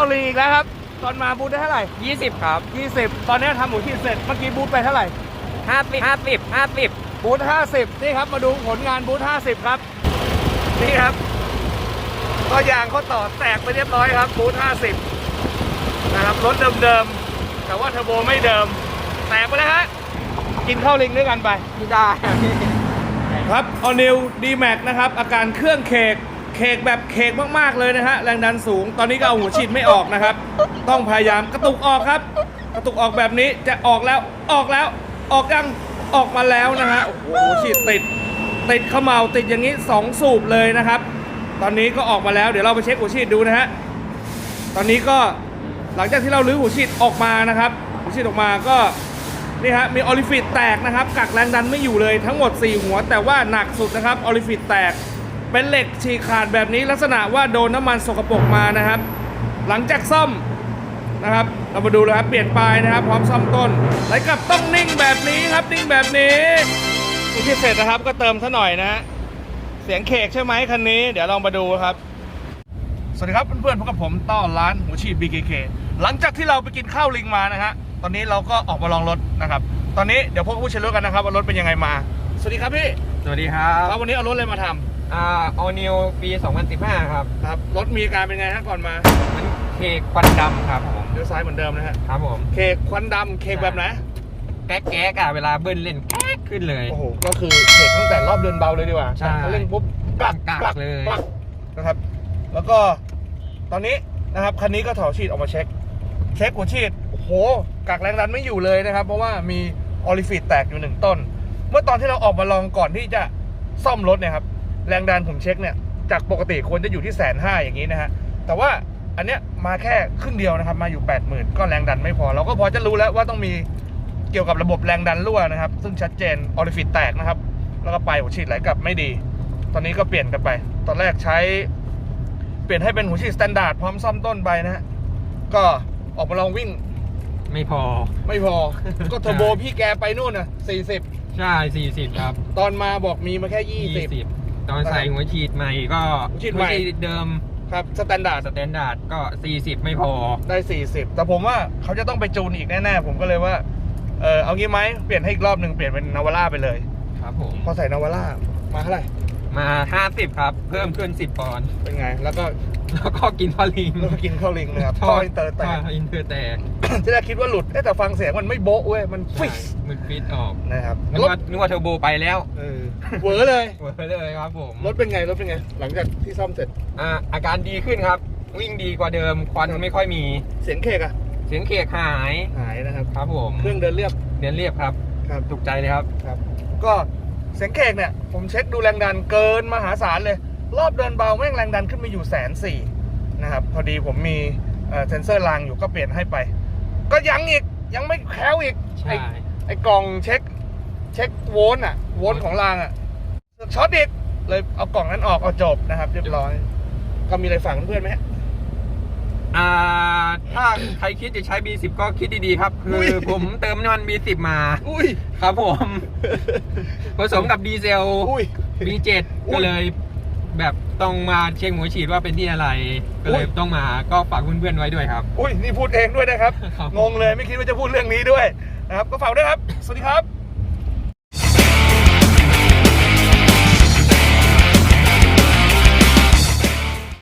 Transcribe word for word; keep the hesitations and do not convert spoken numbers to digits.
าลีอีกแล้วครับตอนมาบูธได้เท่าไหร่ยี่สิบครับยี่สิบตอนนี้ทำหมูชิ้นเสร็จเมื่อกี้บูธไปเท่าไหร่ห้าสิบห้าสิบห้าสิบบูธห้าสิบนี่ครับมาดูผลงานบูธห้าสิบครับนี่ครับก็ยางเขาต่อแตกไปเรียบร้อยครับบูธห้าสิบนะครับรถเดิมๆแต่ว่าเทอร์โบไม่เดิมแตกไปแล้วฮะกินข้าวลิงด้วยกันไปไม่ได้ครับ All New ดี แม็กซ์ นะครับอาการเครื่องเคกเคกแบบเคกมากๆเลยนะฮะแรงดันสูงตอนนี้ก็เอาหัวฉีดไม่ออกนะครับต้องพยายามกระตุกออกครับกระตุกออกแบบนี้จะออกแล้วออกแล้วออกยังออกมาแล้วนะฮะโอ้โหหัวฉีดติดติดเขม่าติดอย่างนี้สองสูบเลยนะครับตอนนี้ก็ออกมาแล้วเดี๋ยวเราไปเช็คหัวฉีดดูนะฮะตอนนี้ก็หลังจากที่เราลื้อหัวฉีดออกมานะครับหัวฉีดออกมาก็นี่ฮะมีออลิฟิตแตกนะครับกักแรงดันไม่อยู่เลยทั้งหมดสี่หัวแต่ว่าหนักสุดนะครับออลิฟิตแตกเป็นเหล็กฉีกขาดแบบนี้ลักษณะว่าโดนน้ำมันสกปรกมานะครับหลังจากซ่อมนะครับเรามาดูเลยครับเปลี่ยนปลายนะครับพร้อมซ่อมต้นไหลกลับต้องนิ่งแบบนี้ครับนิ่งแบบนี้ที่เสร็จนะครับก็เติมซะหน่อยนะฮะเสียงเคกใช่ไหมคันนี้เดี๋ยวลองมาดูครับสวัสดีครับเพื่อนๆพบกับผมต้อนร้านหัวฉีด บี เค เค หลังจากที่เราไปกินข้าวลิงมานะฮะตอนนี้เราก็ออกมาลองรถนะครับตอนนี้เดี๋ยวพบกับผู้ใช้รถกันนะครับว่ารถเป็นยังไงมาสวัสดีครับพี่สวัสดีครับครับวันนี้เอารถอะไรมาทำอ่า All New ปีสองพันสิบห้าครับครับรถมีอาการเป็นไงฮะก่อนมามันเคกควันดำครับผมเลี้ยวซ้ายเหมือนเดิมนะฮะครับผมเคกควันดำเคกแบบไหนแก๊กแก๊กอะเวลาเบิ้ลเล่นแก๊กขึ้นเลยโอ้โหก็คือเคกตั้งแต่รอบเดินเบาเลยดีกว่าใช่เล่นปุ๊บกลักกลักเลยนะครับแล้วก็ตอนนี้นะครับคันนี้ก็ถอดฉีดออกมาเช็คเช็คหัวฉีดโอ้โหกักแรงดันไม่อยู่เลยนะครับเพราะว่ามีออลิฟิตแตกอยู่หนึ่งต้นเมื่อตอนที่เราออกมาลองก่อนที่จะซ่อมรถเนี่ยครับแรงดันผมเช็คเนี่ยจากปกติควรจะอยู่ที่แสนห้าอย่างนี้นะฮะแต่ว่าอันเนี้ยมาแค่ครึ่งเดียวนะครับมาอยู่ แปดหมื่น ก็แรงดันไม่พอเราก็พอจะรู้แล้วว่าต้องมีเกี่ยวกับระบบแรงดันรั่วนะครับซึ่งชัดเจนออลิฟิตแตกนะครับแล้วก็ไปหัวฉีดไหลกลับไม่ดีตอนนี้ก็เปลี่ยนกันไปตอนแรกใช้เปลี่ยนให้เป็นหัวฉีดสแตนดาร์ดพร้อมซ่อมต้นไปนะฮะก็ออกมาลองวิ่งไม่พอไม่พอก็เทอร์โบพี่แกไปนู่นน่ะสี่สิบใช่สี่สิบครับตอนมาบอกมีมาแค่ยี่สิบตอนใส่หัวฉีดใหม่ก็หัวฉีดใหม่เดิมครับสแตนดาร์ดสแตนดาร์ดก็สี่สิบไม่พอได้สี่สิบแต่ผมว่าเขาจะต้องไปจูนอีกแน่ๆผมก็เลยว่าเออเอางี้ไหมเปลี่ยนให้อีกรอบหนึ่งเปลี่ยนเป็นนาวาร่าไปเลยครับผมพอใส่นาวาร่ามาเท่าไหร่มาห้าสิบครับเพิ่มขึ้นสิบปอนด์เป็นไงแล้วก็แล้วก็กินข้าวลิงแล้วก็กินข้าวลิงนะครับท่ออินเตอร์แตกอินเตอร์แตกที่แรกคิดว่าหลุดแต่ฟังเสียงมันไม่โบ๊ะเว้ยมันฟิสมันฟิตออกนะครับนึกว่านึกว่าเทอร์โบไปแล้วเออเวอร์เลยเวอร์เลยครับผมรถเป็นไงรถเป็นไงหลังจากที่ซ่อมเสร็จอ่าอาการดีขึ้นครับวิ่งดีกว่าเดิมควันไม่ค่อยมีเสียงเคกอะเสียงเคกหายหายนะครับครับผมเครื่องเดินเรียบเดินเรียบครับครับถูกใจเลยครับครับก็เสียงเคกเนี่ยผมเช็คดูแรงดันเกินมหาศาลเลยรอบเดินเบาแม่งแรงดันขึ้นมาอยู่แสนสี่นะครับพอดีผมมีเซนเซอร์รางอยู่ก็เปลี่ยนให้ไปก็ยังอีกยังไม่แคล้วอีกไอ้ไอ้กล่องเช็คเช็คโวลต์อ่ะโวลต์ของรางอ่ะช็อตอีกเลยเอากล่องนั้นออกเอาจบนะครับเรียบร้อยก็มีอะไรฝากเพื่อนไหมอ่าถ้าใครคิดจะใช้ บี สิบ ก็คิดดีๆครับคือผมเติมน้ำมัน บี สิบ มาอุ้ยครับผมผสมกับดีเซล บี เจ็ด ก็เลยแบบต้องมาเช็คหัวฉีดว่าเป็นที่อะไรก็เลยต้องมาก็ฝากเพื่อนๆไว้ด้วยครับอุ้ยนี่พูดเองด้วยนะครับงงเลยไม่คิดว่าจะพูดเรื่องนี้ด้วยนะครับก็ฝากด้วยครับสวัสดีครับ